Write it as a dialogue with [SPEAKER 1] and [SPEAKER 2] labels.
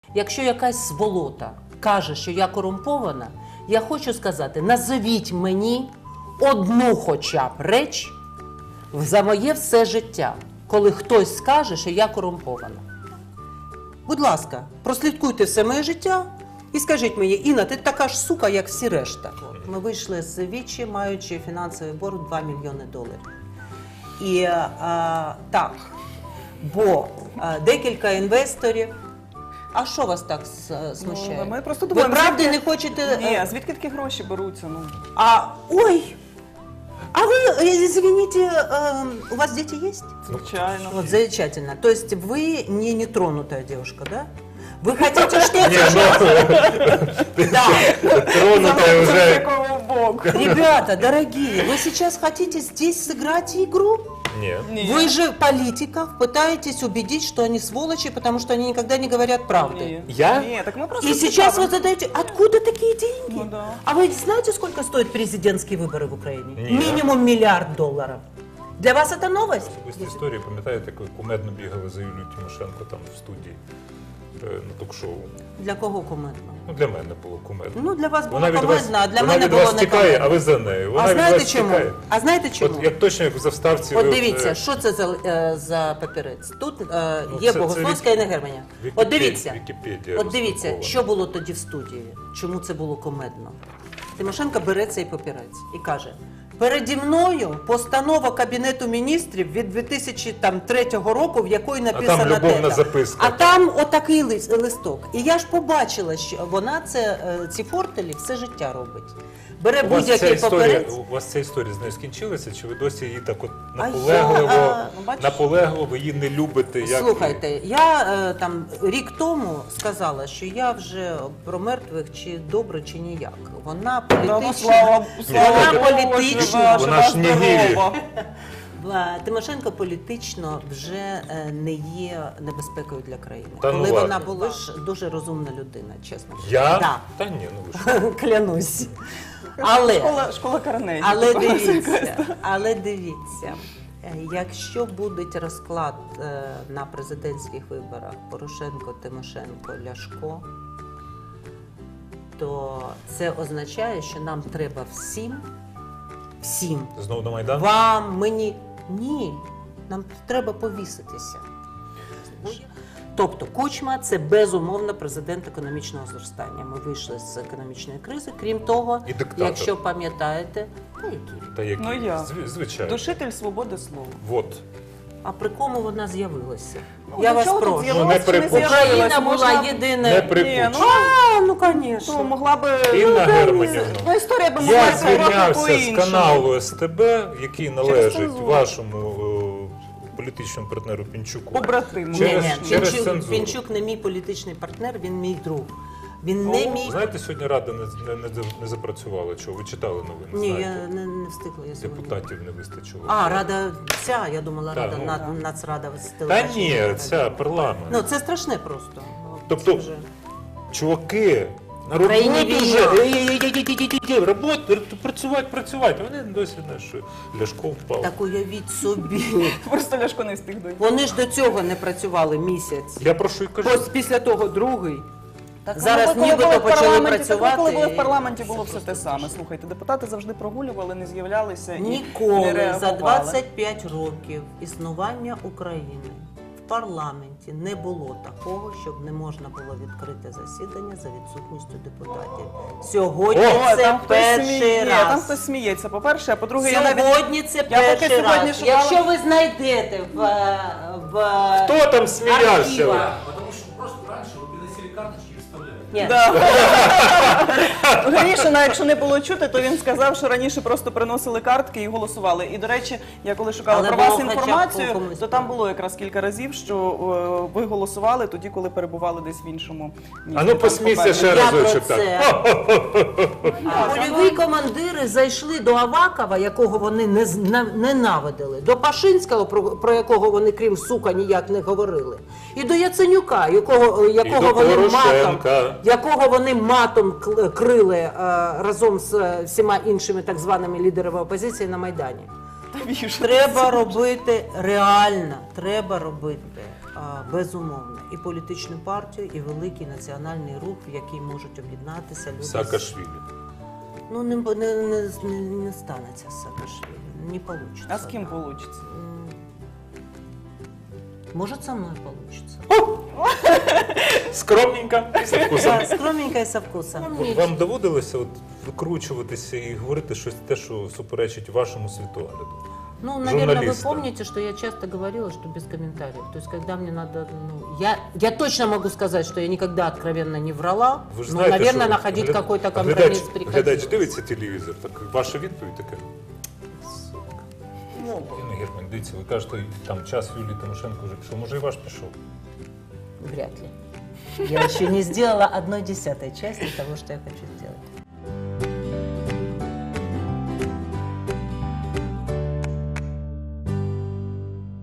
[SPEAKER 1] Якщо якась сволота каже, що я корумпована, я хочу сказати, назовіть мені одну хоча б реч за моє все життя, коли хтось скаже, що я корумпована. Будь ласка, прослідкуйте все моє життя і скажіть мені, Інна, ти така ж сука, як всі решта. Ми вийшли з Вічі, маючи фінансовий борг $2 мільйони. І так, бо декілька інвесторів. А що вас так смущає?
[SPEAKER 2] Ми просто
[SPEAKER 1] Ви
[SPEAKER 2] думаємо,
[SPEAKER 1] правда
[SPEAKER 2] звідки-
[SPEAKER 1] не хочете...
[SPEAKER 2] Ні, а звідки такі гроші беруться? Ну.
[SPEAKER 1] Ой! А вы, извините, у вас дети есть?
[SPEAKER 2] Звичайно.
[SPEAKER 1] Вот, замечательно. То есть вы не нетронутая девушка, да? Вы хотите что-то... Да.
[SPEAKER 3] Тронутая
[SPEAKER 2] З
[SPEAKER 3] уже.
[SPEAKER 2] якого боку?
[SPEAKER 1] Ребята, дорогие, вы сейчас хотите здесь сыграть игру?
[SPEAKER 3] Нет.
[SPEAKER 2] Ні.
[SPEAKER 1] Вы же политиков пытаетесь убедить, что они сволочи, потому что они никогда не говорят правды.
[SPEAKER 2] Ні.
[SPEAKER 3] Я?
[SPEAKER 2] Ні, так ми просто
[SPEAKER 1] И сейчас
[SPEAKER 2] цікавимо.
[SPEAKER 1] вы задаете, откуда такие деньги?
[SPEAKER 2] Ну да.
[SPEAKER 1] А вы знаете, сколько стоят президентские выборы в Украине?
[SPEAKER 3] Нет.
[SPEAKER 1] Минимум $1 миллиард. Для вас это новость?
[SPEAKER 3] Особисті історії, пам'ятаєте, як ви кумедно бігали за Юлією Тимошенко там в студії на ток-шоу?
[SPEAKER 1] Для кого кумедно?
[SPEAKER 3] Ну, для мене було кумедно.
[SPEAKER 1] Ну, для вас було
[SPEAKER 3] Вона від
[SPEAKER 1] кумедно, а для
[SPEAKER 3] вона
[SPEAKER 1] мене
[SPEAKER 3] від
[SPEAKER 1] було
[SPEAKER 3] вас
[SPEAKER 1] не
[SPEAKER 3] тікає,
[SPEAKER 1] кумедно.
[SPEAKER 3] а ви за нею. Вона
[SPEAKER 1] А
[SPEAKER 3] від
[SPEAKER 1] знаєте
[SPEAKER 3] вас
[SPEAKER 1] чому?
[SPEAKER 3] тікає.
[SPEAKER 1] А знаєте чому?
[SPEAKER 3] От як точно, як в заставці...
[SPEAKER 1] От
[SPEAKER 3] ви
[SPEAKER 1] дивіться, що це за папірець? Тут
[SPEAKER 3] Ну,
[SPEAKER 1] є
[SPEAKER 3] це
[SPEAKER 1] Богословська і Негерманя. От дивіться,
[SPEAKER 3] Вікіпедія
[SPEAKER 1] от дивіться,
[SPEAKER 3] розпакована.
[SPEAKER 1] що було тоді в студії, чому це було кумедно. Тимошенко бере цей папірець і каже, переді мною постанова Кабінету міністрів від 2003 року, в якої написано
[SPEAKER 3] любовна
[SPEAKER 1] те-то.
[SPEAKER 3] записка.
[SPEAKER 1] А там отакий листок. І я ж побачила, що вона ці фортелі все життя робить. Бере будь-який папірець.
[SPEAKER 3] У вас ця історія з нею скінчилася, чи ви досі її так от
[SPEAKER 1] А
[SPEAKER 3] наполегливо, ви її не любите? Як...
[SPEAKER 1] Слухайте, я там рік тому сказала, що я вже про мертвих чи добре, чи ніяк. Вона
[SPEAKER 2] Та, ну,
[SPEAKER 1] політична.
[SPEAKER 2] слава
[SPEAKER 1] Вона
[SPEAKER 2] Богу,
[SPEAKER 1] політична.
[SPEAKER 3] Вона ж не вірить.
[SPEAKER 1] Тимошенко політично вже не є небезпекою для країни.
[SPEAKER 3] Та ну
[SPEAKER 1] Коли вона
[SPEAKER 3] ладно.
[SPEAKER 1] була ж дуже розумна людина, чесно.
[SPEAKER 3] Я?
[SPEAKER 1] Да.
[SPEAKER 3] Та ні, ну ви що.
[SPEAKER 1] Клянусь. Але
[SPEAKER 2] Школа Карнегі.
[SPEAKER 1] Але дивіться, якщо буде розклад на президентських виборах Порошенко, Тимошенко, Ляшко, то це означає, що нам треба всім,
[SPEAKER 3] Знову на Майдан?
[SPEAKER 1] вам, мені, ні, нам треба повіситися. Тобто Кучма – це безумовно президент економічного зростання. Ми вийшли з економічної кризи. Крім того,
[SPEAKER 3] І диктатор.
[SPEAKER 1] якщо пам'ятаєте, який?
[SPEAKER 3] Та які?
[SPEAKER 2] Ну, я.
[SPEAKER 3] Звичайно.
[SPEAKER 2] Душитель свободи слова.
[SPEAKER 3] Вот.
[SPEAKER 1] А при кому вона з'явилася?
[SPEAKER 2] Ну,
[SPEAKER 1] Я
[SPEAKER 2] до
[SPEAKER 1] вас
[SPEAKER 2] чого тут
[SPEAKER 1] прошу.
[SPEAKER 2] з'явилась,
[SPEAKER 3] не
[SPEAKER 2] чи не
[SPEAKER 3] припущу.
[SPEAKER 2] з'явилась?
[SPEAKER 1] Україна була
[SPEAKER 2] Можна-
[SPEAKER 1] єдина.
[SPEAKER 3] Не
[SPEAKER 2] Ні,
[SPEAKER 3] припущу.
[SPEAKER 1] Ну,
[SPEAKER 2] ну,
[SPEAKER 1] звісно.
[SPEAKER 2] могла би...
[SPEAKER 3] Інна
[SPEAKER 2] Ну,
[SPEAKER 3] Германівна,
[SPEAKER 2] ну, історія би могла
[SPEAKER 3] я
[SPEAKER 2] бути трохи
[SPEAKER 3] звільнявся з
[SPEAKER 2] по-іншому.
[SPEAKER 3] каналу СТБ, який належить
[SPEAKER 2] цензуру.
[SPEAKER 3] вашому політичному партнеру Пінчуку.
[SPEAKER 2] Побратиму.
[SPEAKER 3] Через-
[SPEAKER 1] Ні,
[SPEAKER 3] через
[SPEAKER 1] Пінчук,
[SPEAKER 3] цензуру.
[SPEAKER 1] Пінчук не мій політичний партнер, він мій друг. Він не
[SPEAKER 2] О,
[SPEAKER 1] мій...
[SPEAKER 3] Знаєте, сьогодні Рада не запрацювала. Чого? Ви читали новини?
[SPEAKER 1] Ні, я
[SPEAKER 3] знаєте?
[SPEAKER 1] не встигла. Я сьогодні.
[SPEAKER 3] Депутатів не вистачило.
[SPEAKER 1] А, Рада ця, я думала,
[SPEAKER 3] Так,
[SPEAKER 1] Рада,
[SPEAKER 3] ну.
[SPEAKER 1] Нацрада з
[SPEAKER 3] Та
[SPEAKER 1] телебачення.
[SPEAKER 3] ні, ця парламент.
[SPEAKER 1] Ну, це страшне просто. Ну,
[SPEAKER 3] Тобто,
[SPEAKER 1] це вже-
[SPEAKER 3] чуваки, на
[SPEAKER 1] Країні
[SPEAKER 3] роботу
[SPEAKER 1] війна.
[SPEAKER 3] вже, працювати. Вони досі знаєш, що Ляшко впав.
[SPEAKER 1] Так уявіть собі.
[SPEAKER 2] Просто Ляшко не встиг дойти.
[SPEAKER 1] Вони ж до цього не працювали місяць.
[SPEAKER 3] Я про що й кажу.
[SPEAKER 1] Ось після того другий.
[SPEAKER 2] Так,
[SPEAKER 1] Зараз
[SPEAKER 2] коли
[SPEAKER 1] нібито
[SPEAKER 2] були в
[SPEAKER 1] почали
[SPEAKER 2] парламенті,
[SPEAKER 1] працювати,
[SPEAKER 2] так, коли були
[SPEAKER 1] і
[SPEAKER 2] в парламенті, було все те саме. Слухайте, депутати завжди прогулювали, не з'являлися і не
[SPEAKER 1] Ніколи за
[SPEAKER 2] реагували.
[SPEAKER 1] 25 років існування України в парламенті не було такого, щоб не можна було відкрити засідання за відсутністю депутатів. Сьогодні
[SPEAKER 2] О,
[SPEAKER 1] це
[SPEAKER 2] там хтось
[SPEAKER 1] перший
[SPEAKER 2] сміє, там
[SPEAKER 1] раз.
[SPEAKER 2] хтось сміється, по-перше, а по-друге, я навіть...
[SPEAKER 1] Сьогодні це
[SPEAKER 2] Я поки
[SPEAKER 1] перший
[SPEAKER 2] сьогодні
[SPEAKER 1] раз.
[SPEAKER 2] шукала-
[SPEAKER 1] Якщо ви знайдете в
[SPEAKER 3] Хто там сміявся?
[SPEAKER 1] архівах,
[SPEAKER 4] Потому что просто раньше вы приносили карточки и вставляли.
[SPEAKER 1] ні,
[SPEAKER 2] Грішина, якщо не було чути, то він сказав, що раніше просто приносили картки і голосували. І, до речі, я коли шукала
[SPEAKER 1] Але
[SPEAKER 2] про
[SPEAKER 1] було
[SPEAKER 2] вас
[SPEAKER 1] хоча б
[SPEAKER 2] інформацію,
[SPEAKER 1] комусь.
[SPEAKER 2] то там було якраз кілька разів, що ви голосували тоді, коли перебували десь в іншому місті.
[SPEAKER 3] А ну
[SPEAKER 2] Там
[SPEAKER 3] посмійся
[SPEAKER 2] попереду.
[SPEAKER 3] ще
[SPEAKER 1] я про
[SPEAKER 3] разочок так.
[SPEAKER 1] це. Польові командири зайшли до Авакова, якого вони ненавидили, до Пашинського, про якого вони, крім сука, ніяк не говорили, і до Яценюка, якого
[SPEAKER 3] до
[SPEAKER 1] вони
[SPEAKER 3] Порошенка.
[SPEAKER 1] матом крили разом з всіма іншими так званими лідерами опозиції на Майдані. Треба робити реально, треба робити безумовно, і політичну партію, і великий національний рух, в який можуть об'єднатися люди.
[SPEAKER 3] Саакашвілі.
[SPEAKER 1] Ну, не станеться з Саакашвілі, не вийде.
[SPEAKER 2] А з ким вийде?
[SPEAKER 1] Може, со мною вийде.
[SPEAKER 3] Скромненько і з вкусом.
[SPEAKER 1] Да, скромненько і со вкусом.
[SPEAKER 3] От вам доводилося викручуватися і говорити щось те, що суперечить вашому світогляду?
[SPEAKER 1] Ну, наверное, вы
[SPEAKER 3] журналистам.
[SPEAKER 1] помните, что я часто говорила, что без комментариев. То есть, когда мне надо... Ну, я точно могу сказать, что я никогда откровенно не врала,
[SPEAKER 3] Ви ж
[SPEAKER 1] но,
[SPEAKER 3] знаєте,
[SPEAKER 1] наверное,
[SPEAKER 3] що
[SPEAKER 1] находить
[SPEAKER 3] гляд-
[SPEAKER 1] какой-то компромисс
[SPEAKER 3] глядач
[SPEAKER 1] приходилось.
[SPEAKER 3] дивиться телевізор, так ваша відповідь така.
[SPEAKER 2] Ну,
[SPEAKER 3] Інна Герман, дивіться, ви кажете, там час Юлії Тимошенко вже пішов. Може і ваш пішов?
[SPEAKER 1] Вряд ли. Я еще не сделала 1/10 части того, что я хочу сделать.